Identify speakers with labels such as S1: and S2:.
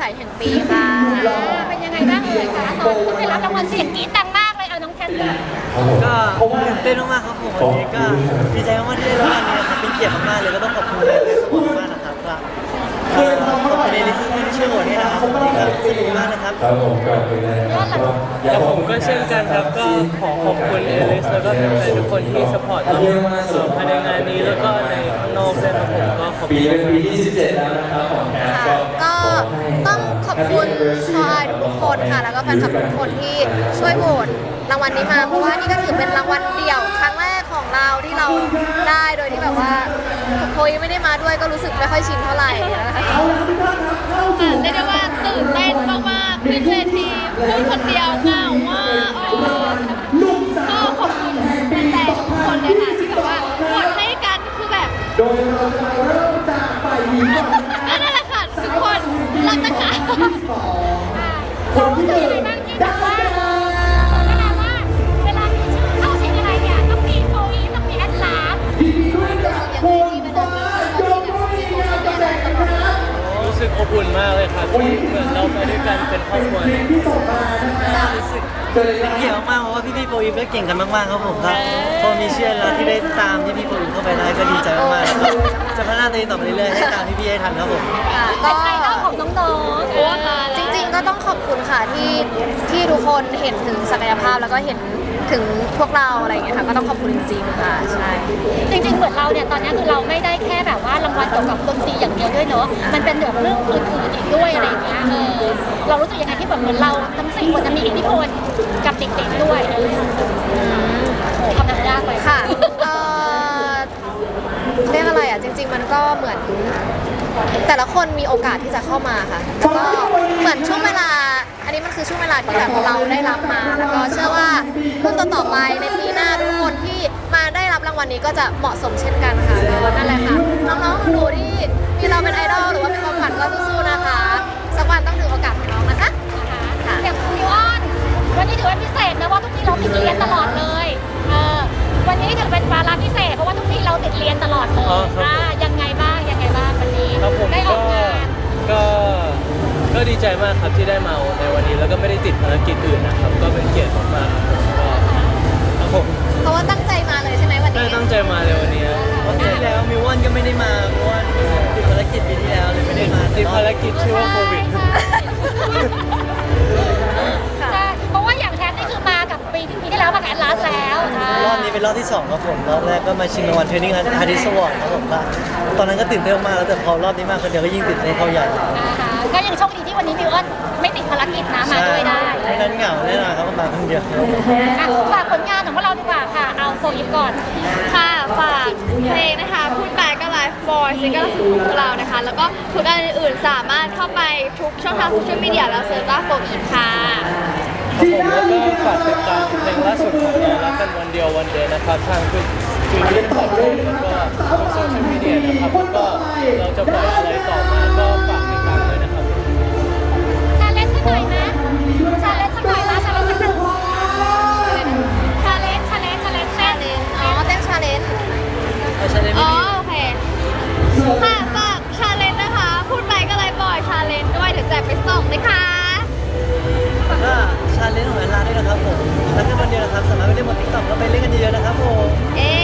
S1: ยแห่งปีค่ะ
S2: เป็นยังไงบ้างเลยคะตอนที่ได้รับรางวัลเสียงกรี๊ดดังมากเลยเอาน้องแทนก่อน
S3: ก็ตื่นเต้นมากๆครับผมวันนี้ก็ดีใจมากๆที่ได้รับรางวัลนี้ครับเป็นเกียรติมากๆเลยก็ต้องขอบคุณเลยสปอร์ตมากนะครับก็ขอบคุณในที่ช่วยโหวตให้นะครับขอบคุณมากนะครับ
S4: ครับผมก่อนอื่นเลยนะครับก็อยาก
S5: ผมก็เช่นกันครับก็ขอขอบคุณเอลิสแล้วก็แฟนๆทุกคนที่สปอร์ตเราภายในงานนี้แล้วก็ในข้างนอกด้วยครับผมก็ขอบ
S4: ปี
S5: คุณ
S4: เป็นปีที่17แล้วนะครับของแคส
S1: ค่ะก็ต้องขอบคุณชายทุกคนค่ะแล้วก็แฟนคลับทุกคนที่ช่วยโหวตรางวัลนี้มาเพราะว่านี่ก็ถือเป็นรางวัลเดี่ยวครั้งแรกของเราที่เราได้โดยที่แบบว่าโคยไม่ได้มาด้วยก็รู้สึกไม่ค่อยชินเท่าไหร่นะคะ
S2: เรียกได้ว่าตื่นเต้นมากๆขึ้นเวทีพูดคนเดียวเหงามากก็ขอบคุณแฟนๆทุกคนเลยค่ะที่แบบว่าโหวตให้กันคือแบบนั่นแหละค่ะทุกคนรักนะคะรู้สึกยังไงบ้างที่แบบว่าเวลามีชื่อเข้าชิงอะไรเนี่ยต้องมีโฟอีต้องมีแอดลาส
S5: รู้สึกอบอุ่นมากเลยครับที่เหมือนเราไปด้วยกันเป็นครอบครัว
S3: รู้สึกเป็นเกียรติมากๆเพราะว่าพี่ๆโปรอิมก็เก่งกันมากๆครับผมครับพอมีเชื่อแล้วที่ได้ตามพี่ๆโปรอิมเข้าไปได้ก็ดีใจมากๆแล้วก็จะพัฒนาตัวเองต่อไปเรื่อยๆให้ตามพี่ๆให้ทันครับผม
S1: ก็
S2: ไอดอลของน้องๆ
S1: จริงๆก็ต้องขอบคุณค่ะที่ทุกคนเห็นถึงศักยภาพแล้วก็เห็นถึงพวกเราอะไรอย่างเงี้ยค่ะก็ต้องขอบคุณจริงๆค่ะใช่
S2: จริงๆเหมือนเราเนี่ยตอนนี้คือเราไม่ได้แค่แบบว่ารางวัลเกี่ยวกับดนตรีอย่างเดียวด้วยเนอะมันเป็นแบบเรื่องอื่นๆอีกด้วยอะไรอย่างเงี้ยเรารู้สึกยังไงที่แบบเหมือนเราทั้ง4คนจะมีอิทธิพลกับเด็กๆด้วยโอ้คำถามยากไป
S1: ค่ะเรียกอะไรอ่ะจริงๆมันก็เหมือนแต่ละคนมีโอกาสที่จะเข้ามาค่ะแล้วก็เหมือนช่วงเวลาอันนี้มันคือช่วงเวลาที่แบบเราได้รับมาแล้วก็เชื่อว่ารุ่นต่อๆไปในปีหน้าทุกคนที่มาได้รับรางวัลนี้ก็จะเหมาะสมเช่นกันค่ะนั่นแหละค่ะน้องๆหนูๆที่มีเราเป็นไอดอลหรือว่าเป็นความฝันก็สู้ๆนะคะสักวันต้องถึงโอกาสของน้องนะคะค่ะ
S2: อย่างคุณมิวออนวันนี้ถือว่าพิเศษนะว่าทุกทีเราติดเรียนตลอดเลยวันนี้ถือเป็นวาระพิเศษเพราะว่าทุกทีเราติดเรียนตลอดเลยยังไงบ้างวันนี้
S5: ครับผม
S2: ได้ออกงาน
S5: ก็ดีใจมากครับที่ได้มาในวันนี้แล้วก็ไม่ได้ติดภารกิจอื่นนะครับก็เป็นเกียรติมากๆครับผม
S1: เพราะว่าตั้งใจมาเลยใช่ไหมวัน
S5: ได้
S1: นี้
S5: ตั้งใจมาเลยวันนี้
S3: วันที่แล้วมิววันก็ไม่ได้มาเพราะว่าติดภารกิจปีที่แล้วเลยไม่ได้มา
S5: ติดภารกิจชื่อว่าโควิด
S2: ใช่เพราะว่าอย่างแทนนี่คือมากับปีที่แล้วมากับแอดลาสแล้ว
S3: รอบนี้เป็นรอบที่2ครับผมรอบแรกก็มาชิงรางวัลเทรนนิ่งอาร์ติสต์วอร์ดครับผมก็ตอนนั้นก็ตื่นเต้นมากแล้วแต่พอรอบนี้มาคนเดียวก็ยิ่งตื่นเต้นเข้าใหญ่
S2: ก็ยังโชคดีที่วันนี้มิวออนไม่ติดภารกิจนะมาด้วยได้
S3: ไม่นั้นเหงาแน่นอนครับมาคนเดียว
S2: ฝากผลงานของพวกเราดีกว่าค่ะเอาโฟอีฟก่อน
S6: ค่ะฝากเพลงนะคะพูดไปก็ไลฟ์บอยซิงเกิลล่าสุดของพวกเรานะคะ แล้วก็ผลงานอื่นๆสามารถเข้าไปทุกช่องทางโซเชียลมีเดียแล้วเซิร์ชว่าโฟอีฟค่ะ
S5: ผมแล้วก็ฝากติดตามเพลงล่าสุดของเรารักกันวันเดียววันเดย์นะครับทางคือที่ขอบคุณแล้วก็โซเชียลมีเดียนะครับแล้วก็เราจะปล่อยอะไรต่อมาก็ฝากติดตามด้วยนะครับ
S2: ชาเลนจ์สักหน่อยไหมชาเลนจ์สักหน่อยนะชาเลนจ์สักหน่อยชาเลนจ์
S1: อ๋อเต้นชาเลนจ์
S3: เอาชาเลนจ์
S6: อ๋
S3: ไม่
S6: อ
S3: มี
S6: โอเคค่ะฝากชาเลนจ์นะคะ พูดไปก็ไลฟ์บอยชาเลนจ์ด้วยเดี๋ยวแจกไปส่งนะคะ
S3: ก็ชาเลนจ์ของร้านด้วยนะครับผมแล้วก็วันเดียวนะครับสามารถไปเล่นบนติ๊กต็อกแล้วไปเล่นกันเยอะๆนะครับผม
S6: เอ๊